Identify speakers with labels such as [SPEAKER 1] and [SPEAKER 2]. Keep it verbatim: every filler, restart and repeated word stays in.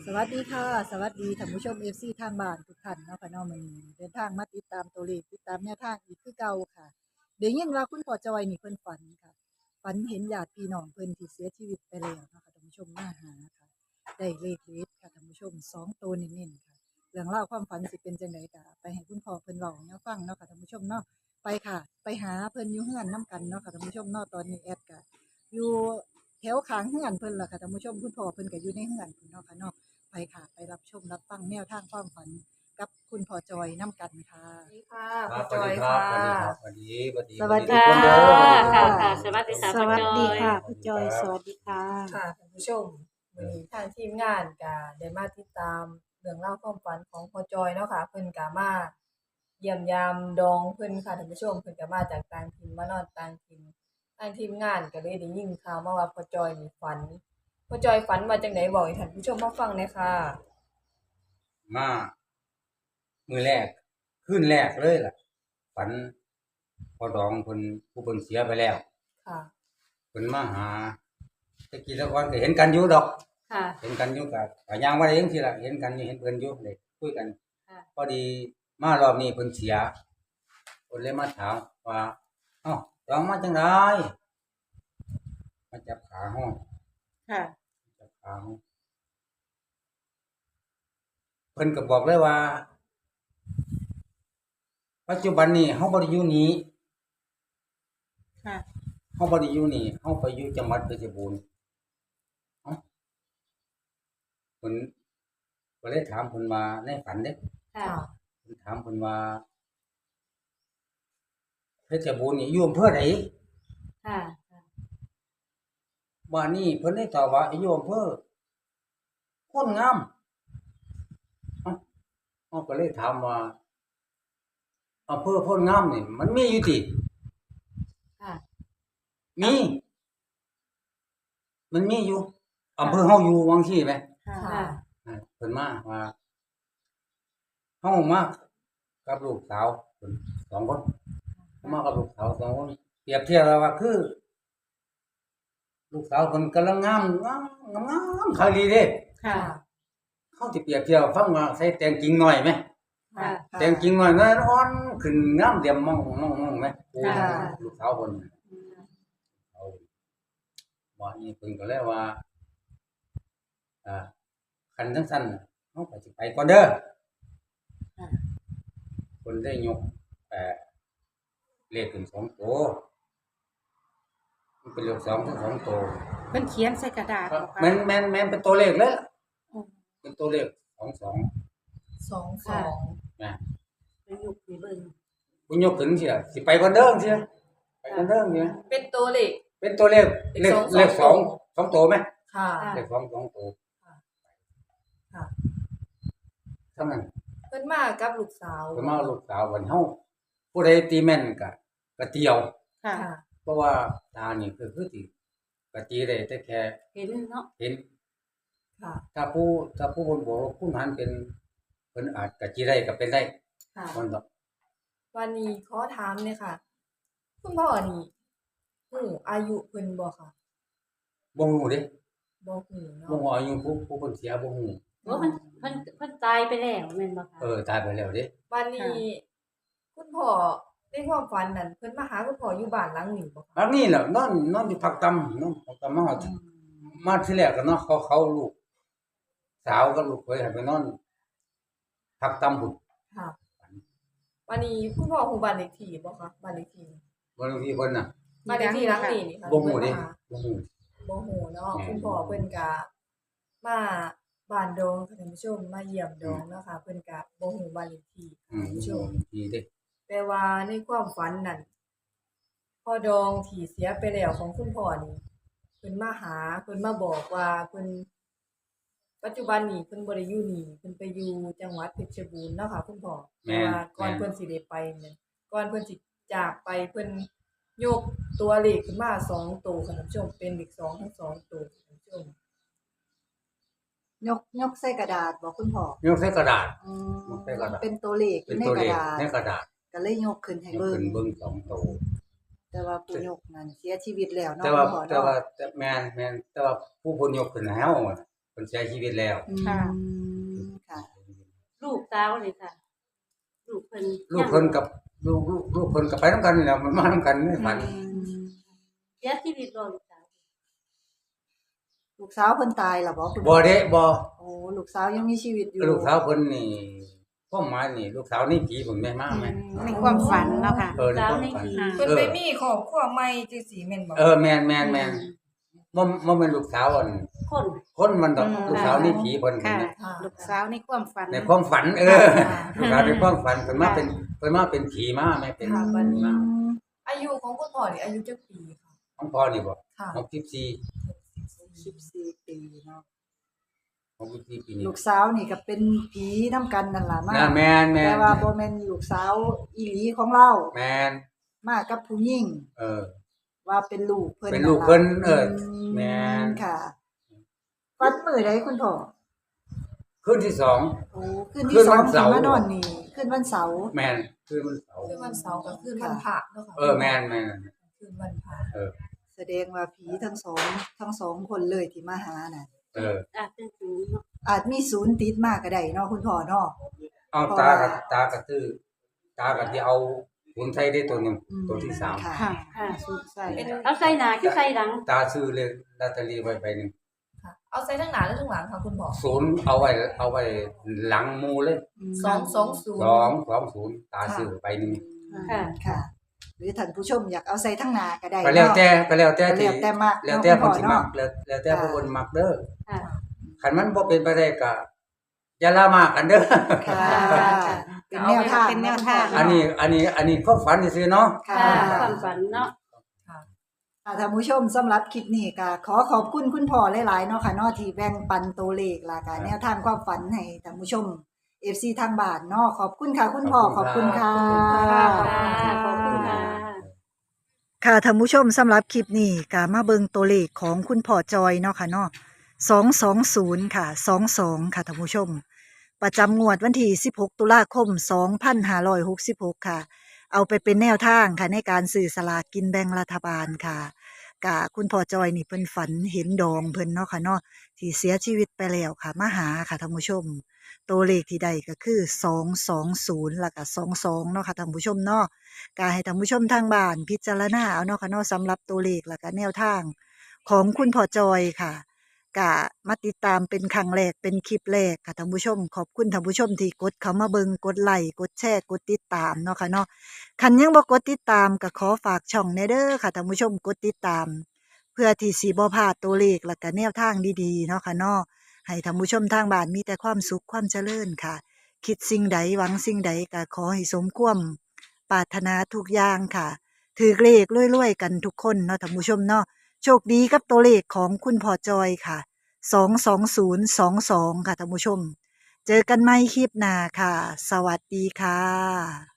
[SPEAKER 1] สวัสดีค่ะสวัสดีท่านผู้ชม เอฟ ซี ทางบ้านทุกท่านเนาะค่ะเนาะมื้อนี้เดินทางมาติดตามตัวเลขติดตามแนวทางอีกคือเก่าค่ะได้ยินว่าคุณพ่อจอยนี่เพิ่นฝันค่ะฝันเห็นญาติพี่น้องเพิ่นที่เสียชีวิตไปแล้วเนาะค่ะท่านผู้ชมมาหาค่ะได้เลขเด็ดค่ะท่านผู้ชมสองตัวเน้นๆค่ะเรื่องราวความฝันสิเป็นจังไดก็ไปให้คุณพ่อเพิ่นเว้าให้เราฟังเนาะค่ะท่านผู้ชมเนาะไปค่ะไปหาเพิ่นอยู่เฮือนนํกันเนาะค่ะท่านผู้ชมเนาะตอนนี้แอดก็อยู่แถวข้างเฮือนเพิ่นล่ะค่ะท่านผู้ชมคุณพ่อเพิ่นก็อยู่ในเฮือนพุ่นเนาะค่ะเนาะ ไปค่ะไปรับชมรับฟังแนวทางความฝันกับคุณพ่อจอยน้ำกันค่ะ
[SPEAKER 2] สวัสดีค่ะ
[SPEAKER 3] ครั
[SPEAKER 2] คุณจอย
[SPEAKER 3] บสวัสดีครั
[SPEAKER 2] ค่ะ
[SPEAKER 3] บสวัสดีครับสวัสดีสวัสดี
[SPEAKER 1] สวัสดี
[SPEAKER 3] ทุกคนเด้อสวัสดีทุก
[SPEAKER 4] ค่ะ
[SPEAKER 3] คน
[SPEAKER 4] ค่ะสวัสดีค่ะ
[SPEAKER 5] สวัสดี
[SPEAKER 4] คุณจอย
[SPEAKER 5] ค่ะคุณจอย สวัสดีค่ะ
[SPEAKER 2] ค่ะท่านผู้ชมวันนี้ทางทีมงานก็ได้มาติดตามเรื่องเล่าวความฝันของพ่อจอยเนาะค่ะเพิ่นก็มาเยี่ยมยามดองเพิ่นค่ะท่านผู้ชมเพิ่นก็มาจากต่างถิ่นมานอนต่างถิ่นทางทีมงานก็เลยได้ยินข่าวมาว่าพ่อจอยนี่ฝันพ่อจอยฝันว่าจังไดบอกให้ท่านผู้ชมมาฟังหน่อยค่ะ
[SPEAKER 3] มามือแรกขึ้นแรกเลยล่ะฝันพอดองคนผู้เพิ่นเสียไปแล้ว
[SPEAKER 2] ค่ะ
[SPEAKER 3] เพิ่นมาหาแตะกี้แตะก่อนก็เห็นกันอยู่ดอก
[SPEAKER 4] ค่ะ
[SPEAKER 3] เห็นกันอยู่กับก็ย่างว่าได้จังซี่ล่ะเห็นกันอยู่เห็นเพิ่นอยู่ได้คุยกัน
[SPEAKER 4] ค่ะ
[SPEAKER 3] พอดีมารอบนี้เพิ่นเสียเพิ่นเลยมาถามว่าเอ้าดองมาจังไดมาจับขาห้อง
[SPEAKER 4] ค่ะ
[SPEAKER 3] จับขาห้องเพิ่นก็บอกเลยว่า ปัจจุบันนี้เฮาบ่ได้อยู่นี้
[SPEAKER 4] ค่ะ
[SPEAKER 3] เฮาบ่ได้อยู่นี่เฮาไปอยู่จังหวัดเพชรบูรณ์เอ้าเพิ่นก็เลยถามเพิ่นว่าในฝันเด้
[SPEAKER 4] ค่ะ
[SPEAKER 2] ค่ะ
[SPEAKER 3] เพิ่นถามเพิ่นว่าเพชรบูรณ์นี่อยู่อำเภอใด
[SPEAKER 4] ค่ะ
[SPEAKER 3] บ้านนี้เพิ่นได้ตอบว่าอยู่อำเภอโพนงามเอ้าเฮาก็เลยถามว่าอำเภอโพนงามนี่มันมีอยู่ติ
[SPEAKER 4] ค่ะ
[SPEAKER 3] มีมันมีอยู่อำเภอเฮาอยู่วังซี่แหม
[SPEAKER 4] ค่ะ
[SPEAKER 2] ค่ะ
[SPEAKER 3] อ่าเพิ่นมาว่าเฮามากับลูกสาวเพิ่นสองคนมากับลูกสาวสองคนเปรียบเทียบแล้วว่าคือ ลูกสาวเพิ่นกำลังงามงามงามคักดีเด้
[SPEAKER 4] ค่ะ
[SPEAKER 3] เขาสิเปรียบเทียบฟังว่าใส่แต่งจริงหน่อยไหม
[SPEAKER 4] ค่ะ
[SPEAKER 3] แต่งจริงหน่อยน้อยอ่อนขึ้นงามเดี่ยมมองมองมองไหมโอ้
[SPEAKER 4] ค่ะ
[SPEAKER 3] ลูกสาวเพิ่นเอาว่านี่เพิ่นก็เลยว่าอ่าคันจังซั่นเฮาก็สิไปก่อนเด้อ
[SPEAKER 4] ค่ะ
[SPEAKER 3] เพิ่นได้ยกเอ่อเลขขึ้นสองตัวมันเป็นเลขสองทั้งสองตัว
[SPEAKER 5] เป็นเขียนใส่กระดาษเหรอคะ
[SPEAKER 3] แม่นแม่นแม่นเป็นตัวเลขเลยล่ะ
[SPEAKER 5] อืม
[SPEAKER 3] เป็นตัวเลขสองสอง
[SPEAKER 2] สองสอง
[SPEAKER 3] นะ
[SPEAKER 4] ไปยุกไปเบิ่ง
[SPEAKER 3] บุญยกขึ้นเสียสิไปก่อนเด้อเสียไปก่อนเด้อเนี่ย
[SPEAKER 2] เป็นตัวเลข
[SPEAKER 3] เป็นตัวเลขเลข
[SPEAKER 2] เลขสอง
[SPEAKER 3] เลขสองสองตัวไหม
[SPEAKER 2] ค่ะ
[SPEAKER 3] เลขสองสองตัว
[SPEAKER 2] ค่ะ
[SPEAKER 3] เท่านั้น
[SPEAKER 2] เพิ่นมากับลูกสาว
[SPEAKER 3] ก็มาลูกสาววันเฮาผู้ใดตีแม่นก็ก็เตียว
[SPEAKER 5] ค่ะ
[SPEAKER 2] ค่ะ
[SPEAKER 3] เพราะว่าตานี่คือคือสิก็ตีได้แต่แค่
[SPEAKER 4] เห็นเนาะ
[SPEAKER 3] เห็น
[SPEAKER 2] ค่ะ
[SPEAKER 3] ถ้าผู้ถ้าผู้คนบอกว่าผู้นั้นเป็นเพิ่นอาจก็จีได้ก็เป็นได้
[SPEAKER 2] ค่ะ
[SPEAKER 3] มันดอก
[SPEAKER 2] วันนี้ขอถามเนี่ยค่ะ คุณพ่อนี่ฮู้อายุเพิ่นบ่ค่ะ
[SPEAKER 3] บ่ฮู้เด้
[SPEAKER 2] บ่ฮู้เนาะ
[SPEAKER 3] บ่ฮู้อายุผู้ผู้คนเสียบ่ฮู้
[SPEAKER 4] ว่ามันเพิ่นเพิ่นตายไปแล้วแม่นบ่คะ
[SPEAKER 3] เออตายไปแล้วเด้
[SPEAKER 2] วันนี้ คุณพ่อในความฝันนั้นเพิ่นมาหาคุณพ่ออยู่บ้านหลังนี้บ่คะ
[SPEAKER 3] อันนี้แหละนอนนอนอยู่พักตำนอนพักตำมาฮอด
[SPEAKER 4] อืม
[SPEAKER 3] มาที่แรกก็เนาะเขาเขาลูก สาวกับลูกเคยให้ไปนอนพักตำบุญ
[SPEAKER 2] ค่ะ วันนี้คุณพ่อฮู้บ้านเลขที่บ่คะบ้านเลขที่
[SPEAKER 3] บางทีเพิ่นน่ะ
[SPEAKER 2] บ้านเลขที่หลังนี้นี่ค่ะ
[SPEAKER 3] บ่ฮู้เด้
[SPEAKER 2] เพิ่นมา
[SPEAKER 3] บ่ฮู้
[SPEAKER 2] บ่ฮู้เนาะ
[SPEAKER 3] แม่น
[SPEAKER 2] คุณพ่อเพิ่นก็มาบ้านดงค่ะท่านผู้ชมมาเยี่ยมดงเนาะค่ะเพิ่นก็บ่ฮู้บ้านเลขที่
[SPEAKER 3] อืม
[SPEAKER 2] ท่านผู้ชม
[SPEAKER 3] ดีเด้
[SPEAKER 2] แต่ว่าในความฝันนั่นพ่อดองที่เสียไปแล้วของคุณพ่อนี่เพิ่นมาหาเพิ่นมาบอกว่าเพิ่นปัจจุบันนี้เพิ่นบ่ได้อยู่นี่เพิ่นไปอยู่จังหวัดเพชรบูรณ์เนาะค่ะคุณพ่อ
[SPEAKER 3] แม่
[SPEAKER 2] แต่
[SPEAKER 3] น
[SPEAKER 2] ว่าก่อน
[SPEAKER 3] แม่น
[SPEAKER 2] เพิ่นสิได้ไปนั่นก่อนเพิ่นสิจากไปเพิ่นยกตัวเลขขึ้นมาสองตัวค่ะท่านผู้ชมเป็นเลขสองทั้งสองตัวค่ะท่านผู้ชม
[SPEAKER 1] ยกยกใส่กระดาษบอกคุณพ่อย
[SPEAKER 3] กใส่กระดาษ
[SPEAKER 1] อืม
[SPEAKER 3] ยกใส่กระดาษ
[SPEAKER 1] เป็นตัวเลขอ
[SPEAKER 3] เป็น
[SPEAKER 1] ยู่ใน
[SPEAKER 3] ตัว
[SPEAKER 1] ก
[SPEAKER 3] เล
[SPEAKER 1] ระ
[SPEAKER 3] ข
[SPEAKER 1] ดาษ
[SPEAKER 3] ในกระดาษ
[SPEAKER 1] ก็เลยยกขึ้นให้
[SPEAKER 3] ยก
[SPEAKER 1] เบิ่ง
[SPEAKER 3] ขึ้นเบิ่งสองตัว
[SPEAKER 1] แต่ว่าผู้ยกนั้นเสียชีวิตแล้วเนาะ
[SPEAKER 3] แต่ว่า
[SPEAKER 1] คุณพ่อ
[SPEAKER 3] แต่
[SPEAKER 1] เนาะ
[SPEAKER 3] ว่าแต่แม่นแม่นแต่ว่าผู้เพิ่นยกขึ้นให้เฮาอะเพิ่นเสียชีวิตแล้ว
[SPEAKER 1] อื
[SPEAKER 5] ค่ะ
[SPEAKER 1] มค่ะ
[SPEAKER 4] ลูกสาวนี่ค่ะ ลูกเพิ่น
[SPEAKER 3] ลูกเพิ่นกับลูกลูกลูกเพิ่นก็ไปนำกันนี่แหละมันมานำกันในฝัน
[SPEAKER 1] อืม
[SPEAKER 4] เสียชีวิตบ่ลูกสาว
[SPEAKER 1] ลูกสาวเพิ่นตายแล้วบ่คุณ
[SPEAKER 3] บ่เด้บ่
[SPEAKER 1] โอ้ลูกสาวยังมีชีวิตอยู่
[SPEAKER 3] ลูกสาวเพิ่นนี่ความหมายนี่ลูกสาวนี่ผีเพิ่นแม่มาแม่
[SPEAKER 5] ในความฝันเนาะค่ะ
[SPEAKER 3] เออในความฝัน
[SPEAKER 5] อ่า
[SPEAKER 2] เพิ่น
[SPEAKER 3] เออ
[SPEAKER 2] ไปมีครอบครัวใหม่จังซี่แม่นบ่
[SPEAKER 3] เออแม่นแม่นแม่นบ่บ่แม่นลูกสาวอัน
[SPEAKER 4] คน
[SPEAKER 3] คนมันดอก
[SPEAKER 5] อืม
[SPEAKER 3] ลูกสาวนี่ผีเพิ่น
[SPEAKER 5] ค่ะ
[SPEAKER 3] นะ
[SPEAKER 2] ค่ะ
[SPEAKER 5] ลูกสาวในความฝัน
[SPEAKER 3] ในความฝัน เออ
[SPEAKER 2] ค่ะ
[SPEAKER 3] ลูกสาวในความฝันเพิ่นมาเป็นเพิ่นมาเป็นผีมาแม่เป็น
[SPEAKER 2] ค่ะบัดนี้
[SPEAKER 3] มา
[SPEAKER 2] อายุของคุณพ่อนี่อายุจักปีค่ะ
[SPEAKER 3] ของพ่อนี่บ่
[SPEAKER 2] ค่ะ
[SPEAKER 3] หกสิบสี่
[SPEAKER 1] สิบสี่ปีเนาะ
[SPEAKER 3] หกสิบสี่ปีนี่
[SPEAKER 1] ลูกสาวนี่ก็เป็นผีนำกันนั่นล่ะมา
[SPEAKER 3] นะแม่นแม่
[SPEAKER 1] แต่
[SPEAKER 3] น
[SPEAKER 1] ว่าบ่แม่นลูกสาวอีหลีของเรา
[SPEAKER 3] แม่น
[SPEAKER 1] มากับผู้หญิง
[SPEAKER 3] เออ
[SPEAKER 1] ว่าเป็นลูกเพิ่น
[SPEAKER 3] เป็นลูกเพิ่นเออ
[SPEAKER 1] ม
[SPEAKER 3] แม่น
[SPEAKER 1] ค่ะวันมื้อใดคุณพ่อ
[SPEAKER 3] คืนที่สอง
[SPEAKER 1] โอ้คืน
[SPEAKER 3] คื
[SPEAKER 1] ที่
[SPEAKER 3] น
[SPEAKER 1] ส
[SPEAKER 3] วั
[SPEAKER 1] อง
[SPEAKER 3] น
[SPEAKER 1] ที่
[SPEAKER 3] เสาร์
[SPEAKER 1] มานอนนี่คืนวันเสาร์
[SPEAKER 3] แม่นคืนวันเสาร์
[SPEAKER 2] คืนวันเสาร์กับคืนวันพระเนาะค่ะ
[SPEAKER 3] เออแม่นแม่น
[SPEAKER 2] คืนวันพระ
[SPEAKER 3] เออ
[SPEAKER 1] แสดงว่าผีทั้งสองทั้งสองคนเลยที่มาหาน่ะ
[SPEAKER 3] เออ
[SPEAKER 4] อาจเป็นศูนย์เนาะ
[SPEAKER 1] อาจมีศูนย์ติดมาก็ได้เนาะคุณพ่อเนาะ
[SPEAKER 3] เอา
[SPEAKER 1] เพราะ
[SPEAKER 3] ตา
[SPEAKER 1] ว่า
[SPEAKER 3] กับตากับตื้อตากับที่เอาหุ่นไทยได้ตัวหนึง
[SPEAKER 1] อืม
[SPEAKER 3] ตัวที่สาม
[SPEAKER 1] ค่ะ
[SPEAKER 5] ค่ะ
[SPEAKER 4] ค่ะ
[SPEAKER 5] สุดใส่
[SPEAKER 2] เป็น
[SPEAKER 4] เอาใส่หน้าคือใส่หลัง
[SPEAKER 3] ตาซื้อเลยลอตเตอรี่ไว้ใบหนึง
[SPEAKER 2] ค่ะ เอาใส่ทั้งหน้าและทั้งหลังค่ะคุณพ่อ
[SPEAKER 3] ศูนย์เอาไว้เอาไว้หลังหมูเลย
[SPEAKER 2] สองสองศูนย์
[SPEAKER 3] สองสองศูนย์ตาซื้อใบหนึง
[SPEAKER 4] ค่ะ
[SPEAKER 1] ค่ะ หรือท่านผู้ชมอยากเอาใส่ทั้งหน้าก็ได้
[SPEAKER 3] ก็แล้ว
[SPEAKER 1] เนาะ
[SPEAKER 3] แต่ก็แล้วแต่
[SPEAKER 1] ก็
[SPEAKER 3] ที่
[SPEAKER 1] แล้วแต่มัก
[SPEAKER 3] แล้วแต่
[SPEAKER 1] เนาะ
[SPEAKER 3] คนสิ
[SPEAKER 1] คุณพ่อ
[SPEAKER 3] มัก
[SPEAKER 1] เนาะ
[SPEAKER 3] แล้วแล้วแต่
[SPEAKER 1] ค่ะ
[SPEAKER 3] ผู้คนมักเด้อ
[SPEAKER 4] ค่ะ
[SPEAKER 3] คันมันบ่เป็นไปได้ก็อย่าละมากกันเด้อ
[SPEAKER 1] ค่ะ เป็นแนวทาง
[SPEAKER 5] เป็นแนวทาง
[SPEAKER 3] อันนี้อันนี้อันนี้ความฝันซื่อๆเนาะ
[SPEAKER 1] ค่ะ
[SPEAKER 4] ค่ะความฝันเนาะ
[SPEAKER 2] ค่ะ
[SPEAKER 1] ค่ะท่านผู้ชมสำหรับคลิปนี้ก็ขอขอบคุณคุณพ่อหลายๆเนาะค่ะเนาะที่แบ่งปันตัวเลขและก็แนวทางความฝันให้ท่านผู้ชม เอฟ ซี ทางบ้านเนาะขอบคุณค่ะ คุณพ่อขอบคุณค่ะ
[SPEAKER 4] ค่ะขอบคุณค่ะ
[SPEAKER 1] ค่ะท่านผู้ชมสำหรับคลิปนี้ก็มาเบิงตัวเลขของคุณพ่อจอยเนาะค่ะเนาะสองสองศูนย์ค่ะสองสองค่ะท่านผู้ชม ประจำงวดวันที่สิบหกตุลาคมสองพันห้าร้อยหกสิบหกค่ะ เอาไปเป็นแนวทางค่ะในการสื่อสลากกินแบ่งรัฐบาลค่ะกะคุณพ่อจอยนี่เพิ่นฝันเห็นดองเพิ่นเนาะค่ะเนาะที่เสียชีวิตไปแล้วค่ะมาหาค่ะท่านผู้ชม ตัวเลขที่ได้ก็คือสองสองศูนย์แล้วก็สองสองเนาะค่ะท่านผู้ชมเนาะก็ให้ท่านผู้ชมทางบ้านพิจารณาเอาเนาะค่ะเนาะสำหรับตัวเลขแล้วก็แนวทางของคุณพ่อจอยค่ะกะมาติดตามเป็นครั้งแรกเป็นคลิปแรกค่ะท่านผู้ชมขอบคุณท่านผู้ชมที่กดเข้ามาเบิงกดไลค์กดแชร์กดติดตามเนาะค่ะเนาะคันยังบ่กดติดตามก็ขอฝากช่องแน่เด้อค่ะท่านผู้ชมกดติดตาม เพื่อที่สิบ่พลาดตัวเลขแล้วก็แนวทางดีๆเนาะค่ะเนาะ ให้ท่านผู้ชมทางบ้านมีแต่ความสุขความเจริญค่ะ คิดสิ่งใดหวังสิ่งใดก็ขอให้สมความปรารถนาทุกอย่างค่ะ ถือเลขรวยๆกันทุกคนเนาะท่านผู้ชมเนาะโชคดีกับตัวเลขของคุณพ่อจอยค่ะสองสองศูนย์สองสองค่ะท่านผู้ชม เจอกันใหม่คลิปหน้าค่ะ สวัสดีค่ะ